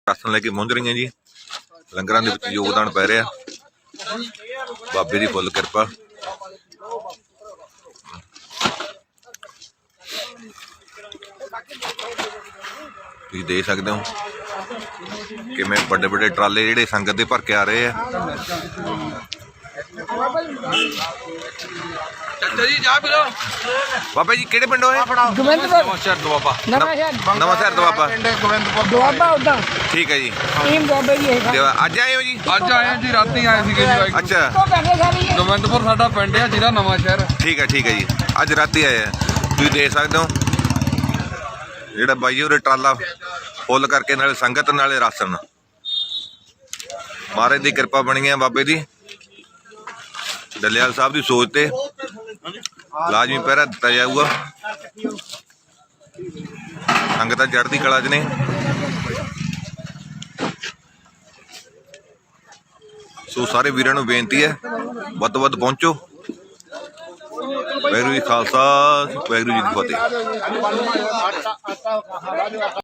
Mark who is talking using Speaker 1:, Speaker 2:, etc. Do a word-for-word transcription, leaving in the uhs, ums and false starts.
Speaker 1: Ration ਲੈ ਕੇ ਪਹੁੰਚ ਰਹੀਆਂ ਜੀ। ਲੰਗਰਾਂ ਦੇ ਵਿੱਚ ਯੋਗਦਾਨ ਪੈ ਰਿਹਾ, ਬਾਬੇ ਦੀ ਫੁੱਲ ਕਿਰਪਾ। ਤੁਸੀਂ ਦੇਖ ਸਕਦੇ ਹੋ ਕਿਵੇਂ ਵੱਡੇ ਵੱਡੇ ਟਰਾਲੇ ਜਿਹੜੇ ਸੰਗਤ ਦੇ ਭਰ ਕੇ ਆ ਰਹੇ ਆ।
Speaker 2: ਚਾਚਾ ਜੀ ਚਾਹ ਪੀ ਲਓ।
Speaker 1: ਬਾਬਾ ਜੀ ਕਿਹੜੇ ਪਿੰਡੋਂ ਹੈ?
Speaker 2: ਨਵਾਂ ਸ਼ਹਿਰ ਦੁਆਬਾ।
Speaker 1: ਨਵਾਂ ਸ਼ਹਿਰ ਦੁਆਬਾ।
Speaker 3: ਦੁਆਬਾ ਉਦਾਂ
Speaker 1: ਠੀਕ ਹੈ ਜੀ।
Speaker 3: ਟੀਮ ਦੁਆਬੇ ਦੀ ਹੈ।
Speaker 1: ਤੇ ਅੱਜ ਆਏ ਹੋ ਜੀ?
Speaker 2: ਅੱਜ ਆਏ ਜੀ, ਰਾਤੀ ਆਏ ਸੀਗੇ ਜੀ।
Speaker 1: ਅੱਛਾ,
Speaker 3: ਉਹ ਕਰਦੇ ਸਾਰੀ
Speaker 2: ਗੋਬਿੰਦਪੁਰ ਸਾਡਾ ਪਿੰਡ ਆ, ਜ਼ਿਲ੍ਹਾ ਨਵਾਂ ਸ਼ਹਿਰ।
Speaker 1: ਠੀਕ ਹੈ ਠੀਕ ਹੈ ਜੀ। ਅੱਜ ਰਾਤੀ ਆਏ ਆ। ਤੁਸੀਂ ਦੇਖ ਸਕਦੇ ਹੋ ਜਿਹੜਾ ਬਾਈ ਉਹਦੇ ਟਰਾਲਾ ਫੁੱਲ ਕਰਕੇ, ਨਾਲੇ ਸੰਗਤ ਨਾਲੇ ਰਾਸ਼ਨ। ਮਹਾਰਾਜ ਦੀ ਕਿਰਪਾ ਬਣੀ ਹੈ, ਬਾਬੇ ਦੀ ਡੱਲੇਵਾਲ ਸਾਹਿਬ ਦੀ ਸੋਚ ਤੇ ਲਾਜ਼ਮੀ ਪਹਿਰਾ ਦਿੱਤਾ ਜਾਊਗਾ। ਸੰਗਤਾਂ ਚੜ੍ਹਦੀ ਕਲਾ 'ਚ ਨੇ। ਸੋ ਸਾਰੇ ਵੀਰਾਂ ਨੂੰ ਬੇਨਤੀ ਹੈ ਵੱਧ ਤੋਂ ਵੱਧ ਪਹੁੰਚੋ। ਵਾਹਿਗੁਰੂ ਜੀ ਖਾਲਸਾ, ਵਾਹਿਗੁਰੂ ਜੀ ਕੀ ਫਤਿਹ।